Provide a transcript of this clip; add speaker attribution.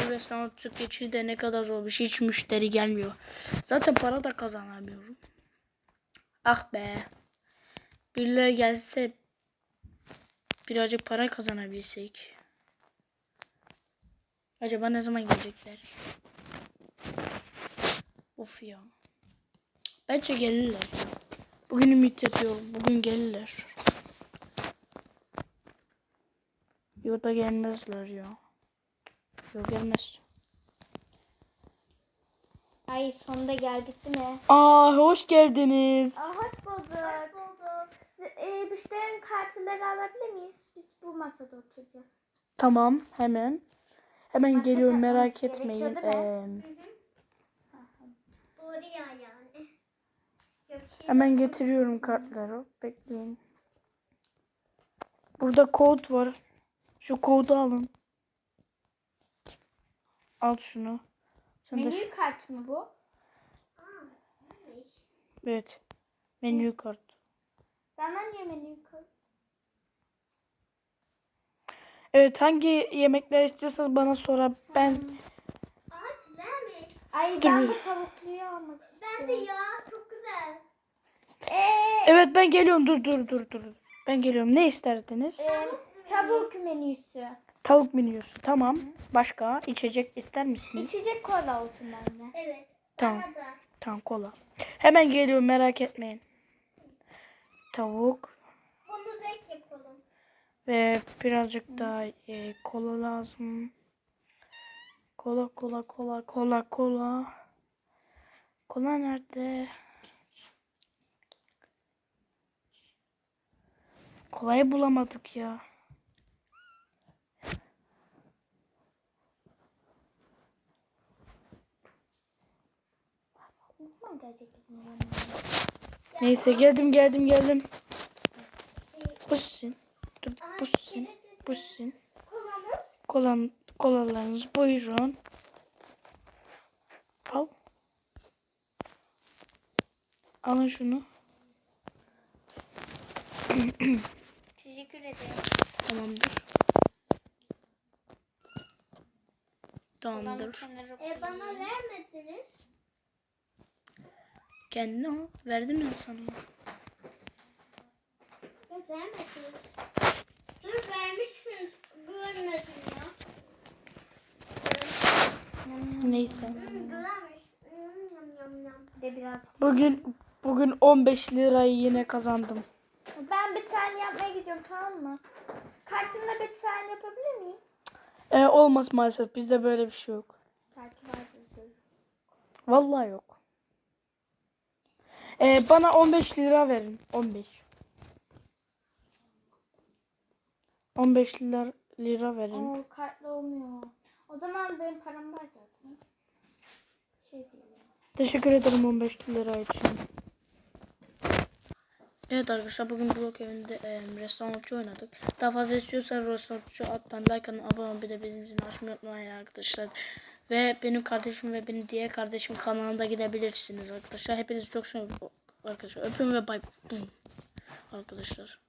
Speaker 1: aydır restoran geçiyor de ne kadar zor bir şey. Hiç müşteri gelmiyor. Zaten para da kazanamıyorum. Ah be. Birileri gelse birazcık para kazanabilsek. Acaba ne zaman gelecekler? Of ya. Bence gelirler. Bugün ümit ediyorum. Bugün gelirler. Yok da gelmezler ya. Yok gelmez.
Speaker 2: Ay sonunda geldik değil mi?
Speaker 1: Aa hoş geldiniz.
Speaker 2: Hoş bulduk. Hoş bulduk. Müşterinin kartları alabilir miyiz? Biz bu masada oturacağız.
Speaker 1: Tamam hemen. Hemen
Speaker 2: Masada
Speaker 1: geliyorum merak
Speaker 2: olması
Speaker 1: etmeyin.
Speaker 2: gerekiyor, değil mi? Doğru ya yani.
Speaker 1: Hemen getiriyorum kartları. Bekleyin. Burada kod var. Şu kodu alın. Al şunu. Sen de
Speaker 2: Menü kart mı bu?
Speaker 1: evet. Menü kart.
Speaker 2: Benden niye menü kart?
Speaker 1: Evet hangi yemekler istiyorsanız bana sonra ben
Speaker 2: Güzelmiş. Ay
Speaker 1: Dur.
Speaker 2: ben bu tavukluyu almak istiyorum. Ben de ya çok güzel.
Speaker 1: Evet ben geliyorum. Dur. Ben geliyorum. Ne isterdiniz?
Speaker 2: Tavuk menüsü.
Speaker 1: Tavuk menüsü. Tamam. Başka içecek ister misiniz?
Speaker 2: İçecek kola olsun bende. Evet.
Speaker 1: Tamam.
Speaker 2: Bana da.
Speaker 1: Tamam kola. Hemen geliyorum merak etmeyin. Tavuk
Speaker 2: Bunu bek yapalım.
Speaker 1: ve birazcık daha kola lazım. Kola. Kola nerede? Kolayı bulamadık ya.
Speaker 2: Ne zaman gelecek bizim yanımıza?
Speaker 1: Neyse geldim. Pussin. Dur pussin.
Speaker 2: Kolamız.
Speaker 1: Kolalarınız buyurun. Al. Alın şunu.
Speaker 2: Teşekkür ederim.
Speaker 1: Tamamdır. Tamamdır.
Speaker 2: Bana vermediniz.
Speaker 1: Kendine al. Verdim ya sana.
Speaker 2: Vermediniz. Dur vermişsiniz. Görmedim ya.
Speaker 1: Neyse.
Speaker 2: Güzelmiş. De biraz.
Speaker 1: Bugün 15 lirayı yine kazandım.
Speaker 2: Ben bir tane yapmaya gidiyorum, tamam mı? Kartımla bir tane yapabilir miyim?
Speaker 1: Olmaz maalesef. Bizde böyle bir şey yok.
Speaker 2: Belki vardır.
Speaker 1: Vallahi yok. Bana 15 lira verin. 15. 15 lira verin.
Speaker 2: Oo, kartla olmuyor. O zaman benim param var zaten. Şey değil.
Speaker 1: Teşekkür ederim 15 lira için. Evet arkadaşlar bugün blok evinde restorançı oynadık. Daha fazla istiyorsanız restorançı alttan like atın, abone olun, bir de bizim zilini açmayı unutmayın arkadaşlar. Ve benim kardeşim ve benim diğer kardeşim kanalına gidebilirsiniz arkadaşlar. Hepinizi çok seviyorum arkadaşlar. Öpüyorum ve bay arkadaşlar.